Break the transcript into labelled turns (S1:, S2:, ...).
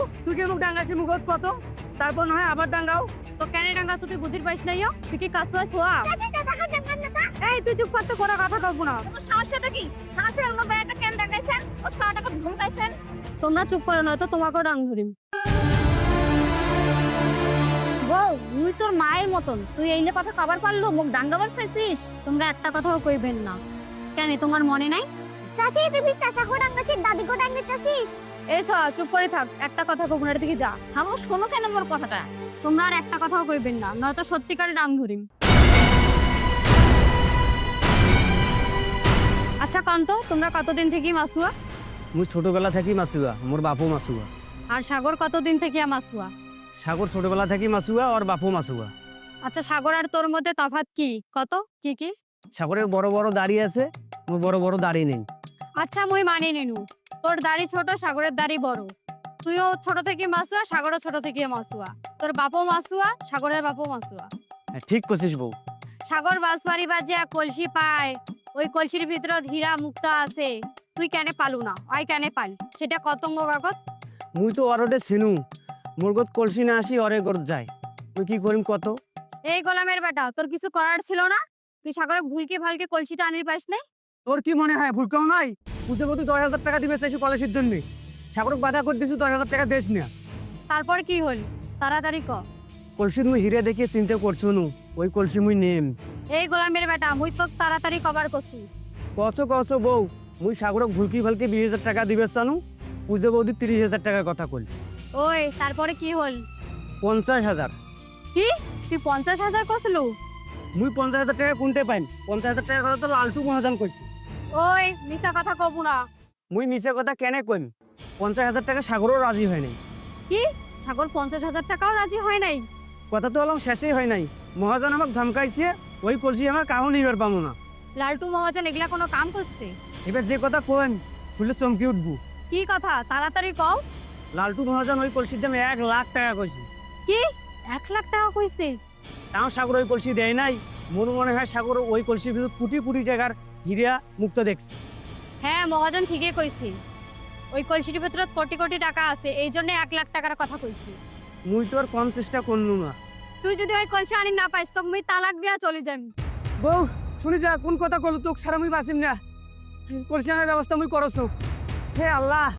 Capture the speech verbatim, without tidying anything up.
S1: তুই কি মুখ ডাঙ্গাছি মুখত কত তারপর নয় আবার ডাঙ্গাও
S2: তো কেন ডাঙ্গাছ তুই বুঝির পাইস নাই তুই কি কাছুয়া ছোয়া এই তুই চুপ করতে কোনো কথা কব না
S3: সমস্যাটা কি শাশুড়ি আমার বেড়াটা কেন ডাকাইছেন ও সারাটাকে ধমকাইছেন
S2: তোমরা চুপ করো না তো তোমাকেও ডাং ধরিম বউ তুই তোর মায়ের মতন তুই এই কথা কবার পারলো মুখ ডাঙ্গাবার চাইছিস তোমরা একটা কথাও কইবেন না কেন তোমার মনে নাই
S3: চাচি তুই চাচা কো ডাঙ্গাছিস দাদি কো ডাঙ্গাছিস
S2: এসো চুপ করে থাক একটা কথা কবুনার দিকে যা
S3: হামো শোনো কেন মোর কথাটা
S2: তোমরা আর একটা কথাও কইবেন না নয়তো সত্যিকারে ডাং ধরিম আচ্ছা কান্ত তোমরা কতদিন থেকে মাসুয়া
S1: মুই ছোটবেলা থাকি মাসুয়া মোর বাপু মাসুয়া
S2: আর সাগর কতদিন থেকে মাসুয়া
S1: সাগর ছোটবেলা থাকি মাসুয়া আর বাপু মাসুয়া
S2: আচ্ছা সাগর আর তোর মধ্যে তফাৎ কি কত কি কি
S1: সাগরের বড় বড় দাড়ি আছে মোর বড় বড় দাড়ি নেই
S2: আচ্ছা মুই মানি নেনু তোর দাড়ি ছোট সাগরের দাড়ি বড় তুইও ছোট থেকে মাসুয়া সাগরও ছোট থেকে মাসুয়া তোর বাপও মাসুয়া সাগরের বাপও মাসুয়া
S1: হ্যাঁ, ঠিক কছিস বউ
S2: সাগর বাঁশবাড়ি বাজিয়া কলসি পায় ওই কলসির ভিতরে হীরা মুক্তা আছে তুই কেন পালু না ওই কেন পাল সেটা কতঙ্গ কাগজ
S1: মুই তো অরটে চিনু মোর গত কলসি না আসি অরে গত যায় তুই কি করিম কত
S2: এই গোলামের বেটা তোর কিছু করার ছিল না তুই সাগরে ভুলকে ভালকে কলসিটা আনির পাস নাই
S1: তোর কি মনে হয় ভুল কেউ নাই পুজো তুই দশ হাজার টাকা দিবে চাইছি কলেজের জন্য সাগরক বাধা করে দিছু দশ হাজার টাকা দেশ না
S2: তারপর কি হল তাড়াতাড়ি ক
S1: কলসি মুই হিরে দেখিয়ে চিন্তা করছো নু ওই কলসি মুই নেম
S2: এই গোলামের বেটা মুই তো তাড়াতাড়ি কবার কছু
S1: কছ কছ বউ মুই সাগরক ভুলকি ভালকে বিশ হাজার টাকা দিবে চানু পুজো বৌদি তিরিশ হাজার টাকার কথা কল
S2: ওই তারপরে কি হল
S1: পঞ্চাশ হাজার
S2: কি তুই পঞ্চাশ হাজার কছলু
S1: মুই পঞ্চাশ হাজার টাকা কোনটে পাইম পঞ্চাশ হাজার টাকার কথা তো লালটু মহাজন কইছি
S2: ওই মিছা কথা কবু না
S1: মুই মিছে কথা কেনে কইম পঞ্চাশ হাজার টাকা সাগরও রাজি হয় নাই
S2: কি সাগর পঞ্চাশ হাজার টাকাও রাজি হয় নাই
S1: কথা তো অলম শেষই হয় নাই মহাজন আমাকে ধমকাইছে ওই কলসি আমার কাউ নিবার পাবো না
S2: লালটু মহাজন এগুলা কোনো কাম করছে
S1: এবার যে কথা কইম শুনলে চমকি উঠবো
S2: কি কথা তাড়াতাড়ি কও
S1: লালটু মহাজন ওই কলসির দাম এক লাখ টাকা কইছে
S2: কি এক লাখ টাকা কইছে
S1: তাও সাগর ওই কলসি দেয় নাই মোর মনে হয় সাগর ওই কলসির ভিতর কোটি কোটি টাকার হিরা মুক্ত দেখছে
S2: হ্যাঁ মহাজন ঠিকই কইছে ওই কলসির ভিতরে কোটি কোটি টাকা আছে এই জন্য এক লাখ টাকার কথা কইছি
S1: মুই তো আর কম চেষ্টা করলু না
S2: তুই যদি ওই কলসি আনি না পাইস তো মুই তালাক দিয়া চলে যাম
S1: বউ শুনি যা কোন কথা কল তোক সারা মুই বাঁচিম না কলসি আনার ব্যবস্থা মুই করছো হে আল্লাহ